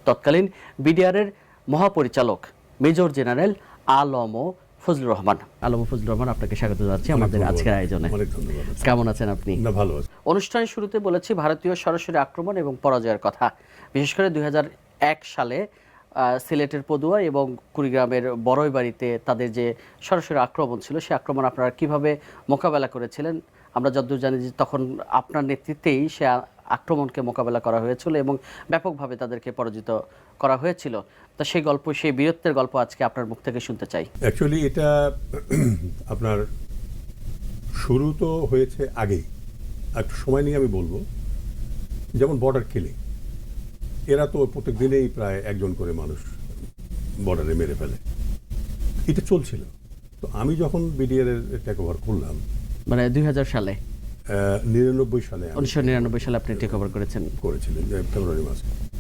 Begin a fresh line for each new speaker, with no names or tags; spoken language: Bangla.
তৎকালীন বিডিআরের মহাপরিচালক মেজর জেনারেল আলম ফজলুর রহমান। আলম ফজলুর রহমান, আপনাকে স্বাগত জানাচ্ছি আমাদের আজকের আয়োজনে।
অনেক ধন্যবাদ।
কেমন আছেন আপনি?
না, ভালো আছি।
অনুষ্ঠানের শুরুতে বলেছি ভারতীয় সরাসরি আক্রমণ এবং পরাজয়ের কথা। বিশেষ করে 2001 সালে সিলেটের পদুয়া এবং কুড়িগ্রামের বড়ইবাড়িতে তাদের যে সরাসরি আক্রমণ ছিল, সেই আক্রমণ আপনারা কিভাবে মোকাবেলা করেছিলেন? আমরা যতদূর জানি যে তখন আপনার নেতৃত্বেই সে আক্রমণকে মোকাবেলা করা হয়েছিল এবং ব্যাপকভাবে তাদেরকে পরাজিত করা হয়েছিল। তা সেই গল্প, সেই বীরত্বের গল্প আজকে আপনার মুখ থেকে শুনতে চাই।
অ্যাকচুয়ালি এটা আপনার শুরু তো হয়েছে আগেই, একটু সময় নিয়ে আমি বলবো। যেমন বর্ডার কিলিং, এরা তো প্রত্যেক দিনেই প্রায় একজন করে মানুষ বর্ডারে মেরে ফেলে, এটা চলছিল। তো আমি যখন বিডিআর এর টেক ওভার করলাম,
মানে 2000 সালে,
99 সালে,
1999 সালে আপনি টেক ওভার করেছিলেন।
ফেব্রুয়ারি মাসে।